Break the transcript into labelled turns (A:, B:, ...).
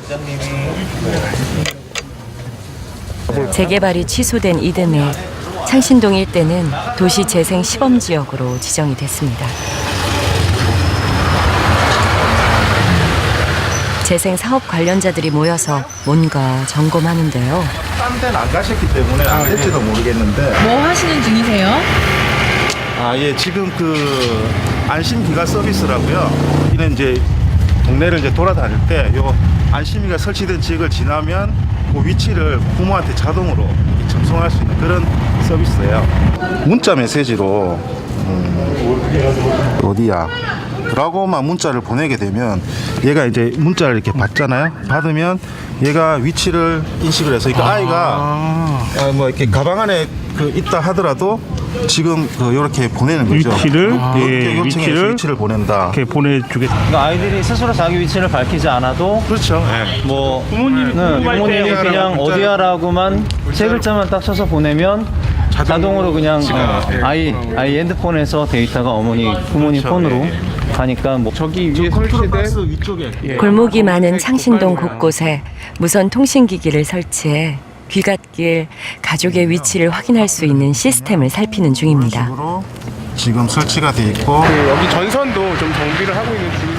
A: 재개발이 취소된 이듬해 창신동 일대는 도시재생 시범지역으로 지정이 됐습니다. 재생 사업 관련자들이 모여서 뭔가 점검하는데요.
B: 딴 데는 안 가셨기 때문에 안 될지도 모르겠는데.
C: 뭐 하시는 중이세요?
B: 예, 지금 그 안심기가 서비스라고요. 이는 이제 동네를 이제 돌아다닐 때 요 안심기가 설치된 지역을 지나면 그 위치를 부모한테 자동으로 전송할 수 있는 그런 서비스예요. 문자 메시지로 어디야? 라고만 문자를 보내게 되면 얘가 이제 문자를 이렇게 받잖아요. 받으면 얘가 위치를 인식을 해서 그러니까 아이가 뭐 이렇게 가방 안에 그 있다 하더라도 지금 그 이렇게 보내는 거죠.
D: 위치를
B: 이렇게 요청해서 위치를 보낸다.
D: 이렇게 보내주겠다.
E: 그러니까 아이들이 스스로 자기 위치를 밝히지 않아도
B: 그렇죠.
E: 뭐
D: 부모님이
E: 부모님이 그냥 어디야라고만 세 글자만 딱 쳐서 보내면 자동으로 그냥 아이 핸드폰에서 데이터가 부모님
B: 그렇죠.
E: 폰으로 가니까 뭐
D: 저기 위에
B: 컨트롤 박스
D: 설치된
B: 위쪽에
A: 골목이 많은 창신동 곳곳에 무선 통신기기를 설치해 귀갓길 가족의 위치를 확인할 수 있는 시스템을 살피는 중입니다.
B: 식으로 지금 설치가 돼 있고
D: 여기 전선도 좀 정비를 하고 있는 중입니다.